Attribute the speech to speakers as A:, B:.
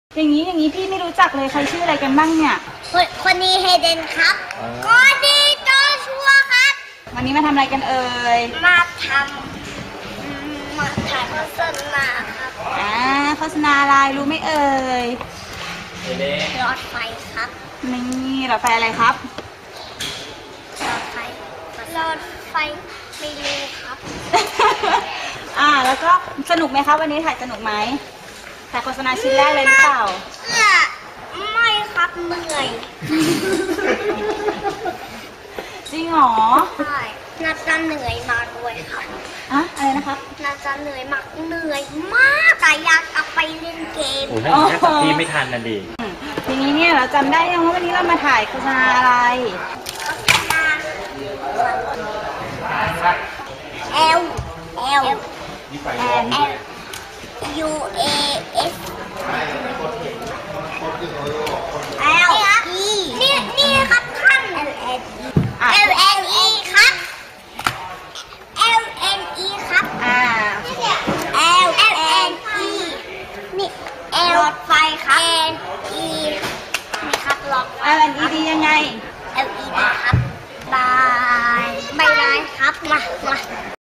A: อย่างนี้พี่ไม่รู้จักเลยใครชื่ออะไรกันบ้างเนี่ย
B: คนนี้เฮเดนครับคนนี้โจชัวครับ
A: วันนี้มาทำอะไรกันเอ่ย
B: มาถ่ายโฆษณาครับ
A: โฆษณาอะไรรู้ไหมเอ่ย
B: รถไฟครับ
A: นี่รถไฟอะไรครับ
B: รถไฟไม่รู้ครับ
A: แล้วก็สนุกไหมครับวันนี้ถ่ายสนุกไหมถ่ายโฆษณาชิ้นแรกเลยหรือเปล่า
B: ไม่ครับเหนื่อย
A: จริงเหรอ
B: ใช่น่าจะเหนื่อยมากด้วยครับ
A: อะไรนะครับ
B: น่าจะเหนื่อยมากแต่อยากกลับไปเล่นเกม
C: โอ้ถ้าอย่างนี้พี่ไม่ทันนะดิ
A: ทีนี้เนี่ยเราจำได้ยังว่าวันนี้เรามาถ่ายโฆษณาอะไร
B: L U A S L E นี่ครับท่าน L N E ครับ L N E ครับL N E นี่ L รถไฟครับ N E นี่ครับรถไฟ
A: L N E D ยังไง
B: L E D ครับบายครับมา